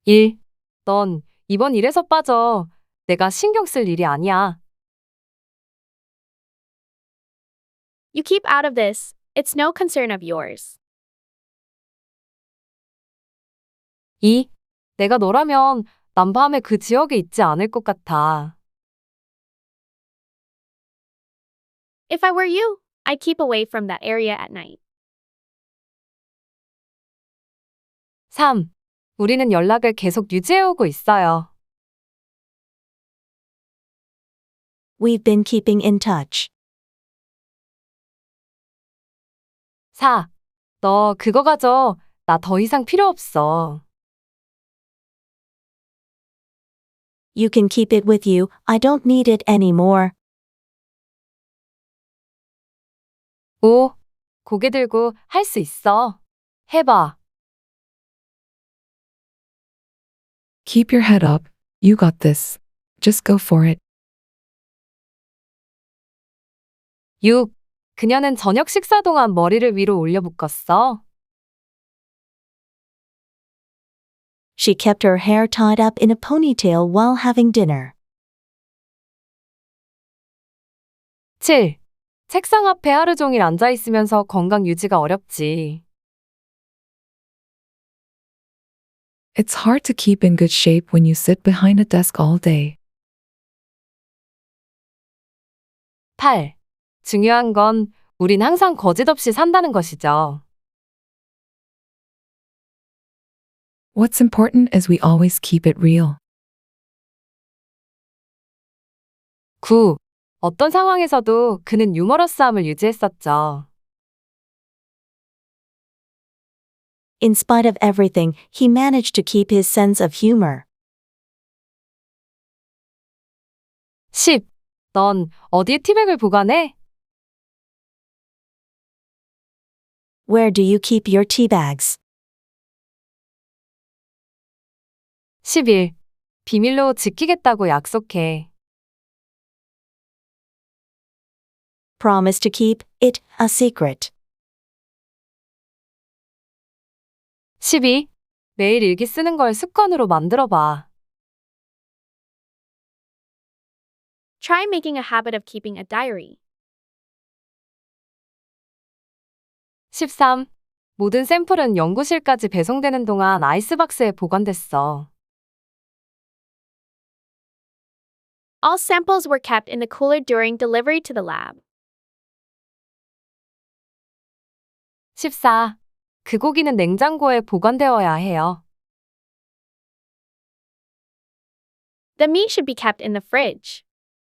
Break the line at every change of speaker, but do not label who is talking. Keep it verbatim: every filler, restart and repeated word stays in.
일. 넌 이번 일에서 빠져. 내가 신경 쓸 일이 아니야.
You keep out of this. It's no concern of yours.
이. 내가 너라면 난 밤에 그 지역에 있지 않을 것 같아.
If I were you, I'd keep away from that area at night.
삼. 우리는 연락을 계속 유지해오고 있어요.
We've been keeping in touch.
사. 너 그거 가져. 나 더 이상 필요 없어.
You can keep it with you, I don't need it anymore.
오. 고개 들고 할 수 있어. 해봐.
Keep your head up. You got this. Just go for it.
육. 그녀는 저녁 식사 동안 머리를 위로 올려 묶었어.
She kept her hair tied up in a ponytail while having dinner.
칠. 책상 앞에 하루 종일 앉아 있으면서 건강 유지가 어렵지.
It's hard to keep in good shape when you sit behind a desk all day.
팔. 중요한 건 우린 항상 거짓 없이 산다는 것이죠.
What's important is we always keep it real.
구. 어떤 상황에서도 그는 유머러스함을 유지했었죠.
In spite of everything, he managed to keep his sense of humor.
십. 넌 어디에 티백을 보관해?
Where do you keep your tea bags?
십일. 비밀로 지키겠다고 약속해.
Promise to keep it a secret.
십이. 매일 일기 쓰는 걸 습관으로 만들어 봐.
Try making a habit of keeping a diary.
십삼. 모든 샘플은 연구실까지 배송되는 동안 아이스박스에 보관됐어.
All samples were kept in the cooler during delivery to the lab.
십사. 그 고기는 냉장고에 보관되어야 해요.
The meat should be kept in the fridge.